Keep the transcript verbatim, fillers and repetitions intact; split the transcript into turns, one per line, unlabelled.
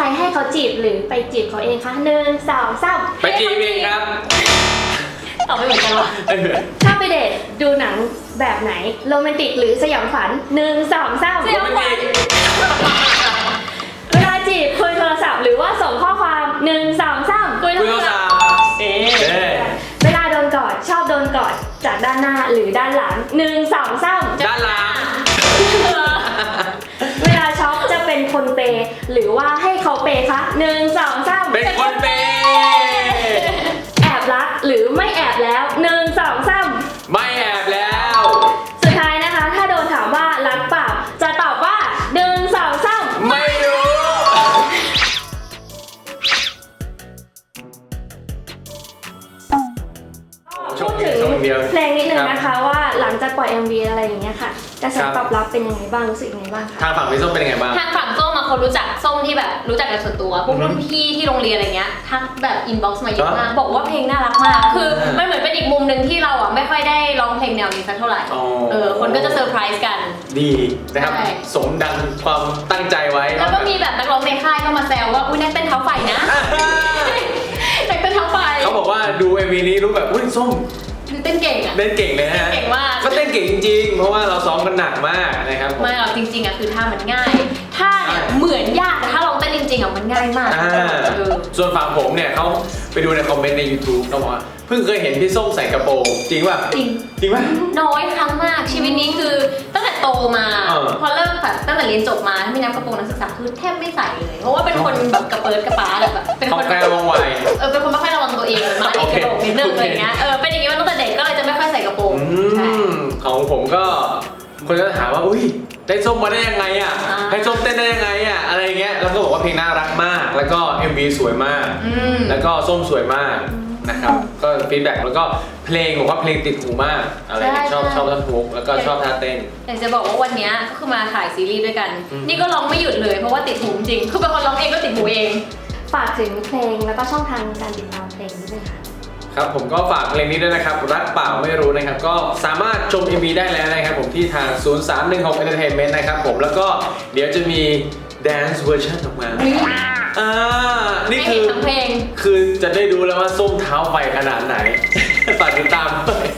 ให้เขาจีบหรือไปจีบเขาเองคะหนึ่งสองสาม
ไปจีบเองครับ
ตอบไม่เหมือนกันวะ
ถ้าไปเดทดูหนังแบบไหนโรแมนติกหรือสยองขวัญหนึ่งสองสาม
สยองขวัญ
เวลาจีบคุยโทรศัพท์หรือว่าส่งข้อความหนึ่งสองสาม
คุย
คุย
โท
โท
ร
ร
ศั
ศั
พ
พ
ท์
ท์
เอ๊ะ
เอ๊ะ
เวลาโดนกอดชอบโดนกอดจากด้านหน้าหรือด้านหลังหนึ่งสองสาม
ด้านหลัง
เวลาช็อปจะเป็นคนเปย์หรือว่าให้เขาเปย์คะหนึ่งสองสาม
เป็นคนเปย์
แอบรักหรือไม่แอบแล้วหนึ่งสองสาม
ไม่แอบแล้ว
สุดท้ายนะคะ ถ้าโดนถามว่ารักเปล่าจะตอบว่าหนึ่งสองสาม
ไม่รู้
พูดถึงเพลงนิดนึงนะคะว่าหลังจากปล่อย เอ็ม วี อะไรอย่างเงี้ยค่ะกระแสตอบรับเป็นยังไงบ้างรู้สึกยังไงบ้างคะ
ทางฝั่งพี่ส้มเป็นยังไงบ้าง
ทางฝั่งส้มมาคนรู้จักส้มที่แบบรู้จักกันส่วนตัวพวกรุ่นพี่ที่โรงเรียนอะไรเงี้ยทักแบบอินบ็อกซ์มาเยอะมากบอกว่าเพลงน่ารักมากคือมันเหมือนเป็นอีกมุมหนึ่งที่เราอ่ะไม่ค่อยได้ร้องเพลงแนวนี้สักเท่าไหร่
อ๋อ
เออคนก็จะเซอร์ไพรส์กัน
ดีนะครับ
ใช่
สมดังความตั้งใจไว้
แล้วก็มีแบบนักร้องในค่ายก็มาแซวว่าอุ้ยนักเต้นเท้าไฟนะนักเต้นเท้าไฟ
เขาบอกว่าดู เอ็ม วี นี้รู้แบบอุ้ยส้ม
คือเต้นเก่งอ่ะ
เต้นเก่งเลยนะฮะ
เก่งมาก
ก็เต้นเก่งจริงๆ เพราะว่าเราซ้อมกันหนักมากนะครับผม
ไม่หรอกจริงๆอ่ะคือท่ามันง่ายท่าเนี่ยเหมือนยากแต่ถ้าลองเต้นจริงๆอ่ะมันง่ายมาก
อ่า
เออ
ส่วนฝั่งผมเนี่ยเขาไปดูในคอมเมนต์ใน YouTube เขาบอกว่าเพิ่งเคยเห็นพี่ส้มใส่กระโปรงจริงป่ะ
จริง
จริงป่ะ
น้อยครั้งมากชีวิตนี้คือตั้งแต่โตมา
เออ
พอเริ่มแบบตั้งแต่เรียนจบมาถ้าไม่นับกระโปรงนักศึกษาคือแทบไม่ใส่เลย เพราะว่าเป็นคนแบบกระเปิดกระป๋าแบบเป็น
เขา
คน
แกล้งว่องไว
เออเป็นคนไม่ค่อยระวังตัวเองมาเด็กกระโดดนิดนึงอะไรเงี้ยเออเป็นอย่างงี้มาตั้งแต่เด็กก็เลยจะไม่ค่อยใส่กระโปรง
อื
ใช่
มของผมก็คนจะถามว่าอุ้ยได้ส้มมาได้ยังไงอ่ะ
อ่า
ให้ส้มเต้นได้ยังไงอ่ะอะไรเงี้ยแล้วก็บอกว่าเพลงน่ารักมาก แล้วก็ เอ็ม วี สวยมาก
อืม
แล้วก็ส้มสวยมากนะครับก็ฟีดแบ็กแล้วก็เพลงบอกว่าเพลงติดหูมากอะไรเงี้ยชอบชอบท่อนฮุกแล้วก็ชอบท่าเต้น
อยากจะบอกว่าวันเนี้ยก็คือมาถ่ายซีรีส์ด้วยกัน
อืม
นี่ก็ร้องไม่หยุดเลยเพราะว่าติดหูจริงคือเป็นคนร้องเองก็ติดหูเอง
ฝากถึงเพลงแล้วก็ช่องทางการติดตามเพลงนี้ด้วยค่ะ
ครับผมก็ฝากเพลงนี้ด้วยนะครับรักเปล่าไม่รู้นะครับก็สามารถชม เอ็ม วี ได้แล้วนะครับผมที่ทาง ศูนย์ สาม หนึ่ง หก Entertainment นะครับผมแล้วก็เดี๋ยวจะมี Dance Version ออกมาอ่านี่
ไม่
คื
เห็น
อ
ทั้งเพลง
คือจะได้ดูแล้วว่าส้มเท้าไฟขนาดไหน ฝากติดตามด้วย